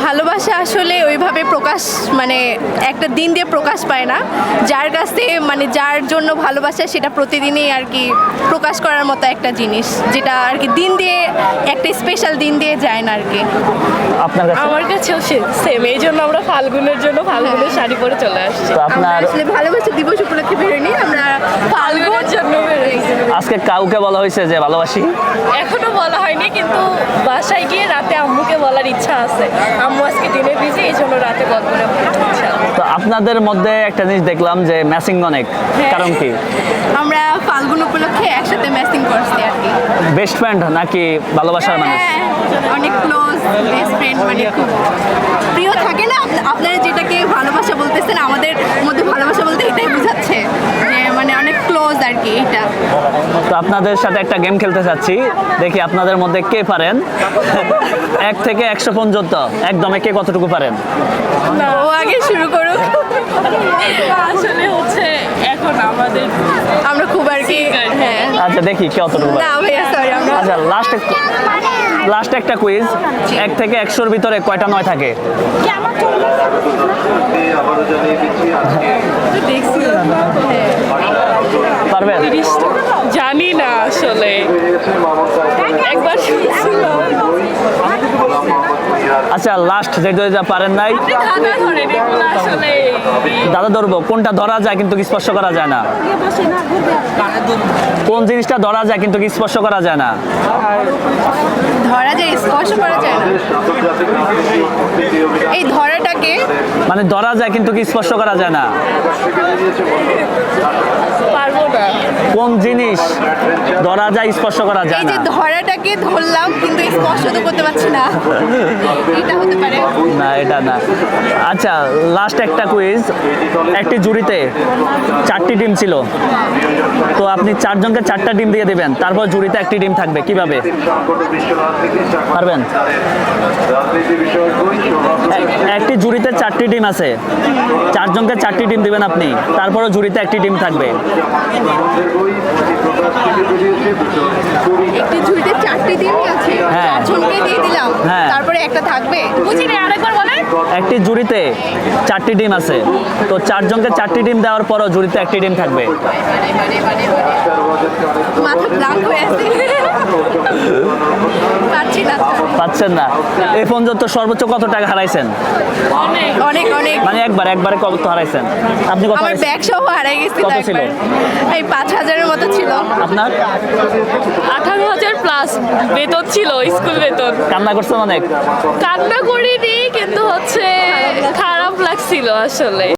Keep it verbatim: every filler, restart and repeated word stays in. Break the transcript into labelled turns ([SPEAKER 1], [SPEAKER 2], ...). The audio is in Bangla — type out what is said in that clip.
[SPEAKER 1] ভালোবাসা আসলে ওইভাবে প্রকাশ মানে একটা দিন দিয়ে প্রকাশ পায় না, যার কাছে মানে যার জন্য ভালোবাসা সেটা প্রতিদিনই আর কি প্রকাশ করার মতো একটা জিনিস, যেটা আর কি দিন দিয়ে একটা স্পেশাল দিন দিয়ে যায় না আর কি।
[SPEAKER 2] আপনার কাছে
[SPEAKER 3] আমার কাছেও সেম, এই জন্য আমরা ফাল্গুনের জন্য ফাল্গুনের শাড়ি পরে চলে আসছি।
[SPEAKER 2] তো
[SPEAKER 1] আমরা
[SPEAKER 2] আপনার
[SPEAKER 1] আসলে ভালোবাসা দিবস উপলক্ষে বেরোয়নি, আমরা
[SPEAKER 3] ফাল্গুনের জন্য বেরোইছি।
[SPEAKER 2] আজকে কাউকে বলা হয়েছে যে ভালোবাসি?
[SPEAKER 3] এখনো বলা হয়নি, কিন্তু বাসায় গিয়ে রাতে আম্মুকে বলার ইচ্ছা আছে। আম্মু আজকে দিনে বিজি, এই জন্য রাতে কল করে বলার ইচ্ছা।
[SPEAKER 2] তো আপনাদের মধ্যে একটা জিনিস দেখলাম যে ম্যাচিং অনেক, কারণ কি?
[SPEAKER 1] আমরা ফাল্গুন উপলক্ষে একসাথে ম্যাচিং করছি আর কি।
[SPEAKER 2] বেস্ট ফ্রেন্ড নাকি ভালোবাসার মানুষ?
[SPEAKER 1] হ্যাঁ, অনেক ক্লোজ বেস্ট ফ্রেন্ড, মানে খুব প্রিয় থাকে না। আপ- আপনারা যেটাকে ভালোবাসা বলতেছেন, আমাদের মধ্যে ভালোবাসা বলতে এটাই বোঝাচ্ছে যে মানে অনেক ক্লোজ আর কি এইটা।
[SPEAKER 2] তো আপনাদের সাথে একটা গেম খেলতে চাচ্ছি, দেখি আপনাদের মধ্যে কে পারেন এক থেকে একশো পর্যন্ত একদমে কে কতটুকু পারেন।
[SPEAKER 1] ও আগে শুরু করুক।
[SPEAKER 3] আসলে হচ্ছে এখন আমাদের
[SPEAKER 1] আমরা খুব আর কি হ্যাঁ
[SPEAKER 2] আচ্ছা দেখি কে কতটুকু পারেন।
[SPEAKER 1] না ভাইয়া সরি আমরা
[SPEAKER 2] আচ্ছা লাস্ট লাস্ট একটা কুইজ, এক থেকে একশোর ভিতরে কয়টা নয় থাকে?
[SPEAKER 1] দেখছি
[SPEAKER 2] পারবেন?
[SPEAKER 3] জানি না আসলে, একবার শুনছিলাম।
[SPEAKER 2] আচ্ছা লাস্ট যেটা যেটা পারেন নাই,
[SPEAKER 3] দাদা ধরে এগুলো আসলে
[SPEAKER 2] দাদা ধরবো। কোনটা ধরা যায় কিন্তু স্পর্শ করা যায় না? কোন জিনিসটা ধরা যায় কিন্তু স্পর্শ করা যায় না?
[SPEAKER 1] ধরা যায় স্পর্শ করা যায় না, এই ধরাটাকে
[SPEAKER 2] মানে ধরা যায় কিন্তু স্পর্শ করা যায় না।
[SPEAKER 3] পারবো না।
[SPEAKER 2] কোন জিনিস ধরা যায় স্পর্শ করা যায়
[SPEAKER 1] এই যে
[SPEAKER 2] না?
[SPEAKER 1] ধরাটাকে ধরলাম কিন্তু স্পর্শ তো করতে পারছি না, এটা হতে পারে।
[SPEAKER 2] না এটা না। আচ্ছা লাস্ট একটা কুইজ, একটি জুড়িতে চারটি ডিম ছিল, তো আপনি চারজনকে চারটা ডিম দিয়ে দিবেন, তারপর জুড়িতে একটি ডিম থাকবে, কিভাবে পারবেন? এক- একটি জুড়িতে চারটি ডিম আছে, চারজনকে চারটি ডিম দিবেন আপনি, তারপরও জুড়িতে একটি ডিম থাকবে।
[SPEAKER 1] একটি ঝুড়িতে চারটি ডিমই আছে,
[SPEAKER 2] হ্যাঁ।
[SPEAKER 1] চারজনকে দিয়ে দিলাম,
[SPEAKER 2] হ্যাঁ।
[SPEAKER 1] তারপরে একটা থাকবে।
[SPEAKER 3] বুঝিনি, আরেকবার বলেন।
[SPEAKER 2] একটি জুড়িতে চারটি ডিম আছে, তো চারজনকে চারটি ডিম দেওয়ার পরও জুড়িতে একটি ডিম থাকবে।
[SPEAKER 1] মাথা ব্লাঙ্ক হয়ে আছে, পারছি না।
[SPEAKER 2] পাচ্ছেন না? এই পর্যন্ত সর্বোচ্চ কত টাকা হারাইছেন?
[SPEAKER 3] অনেক
[SPEAKER 1] অনেক অনেক
[SPEAKER 2] মানে একবার একবারে কত হারাইছেন? আপনি কত
[SPEAKER 1] আমার
[SPEAKER 2] হারাইছেন?
[SPEAKER 1] ব্যাগ সহ হারাই গেছি তো
[SPEAKER 2] কত ছিল?
[SPEAKER 1] একবার। এই পাঁচ হাজারের মতো ছিল।
[SPEAKER 2] আপনার
[SPEAKER 3] আঠারো হাজার প্লাস বেতন ছিল, স্কুল বেতন।
[SPEAKER 2] কান্না করছেন অনেক?
[SPEAKER 3] কান্না করিনি, কিন্তু হচ্ছে খারাপ লাগছিল আসলে।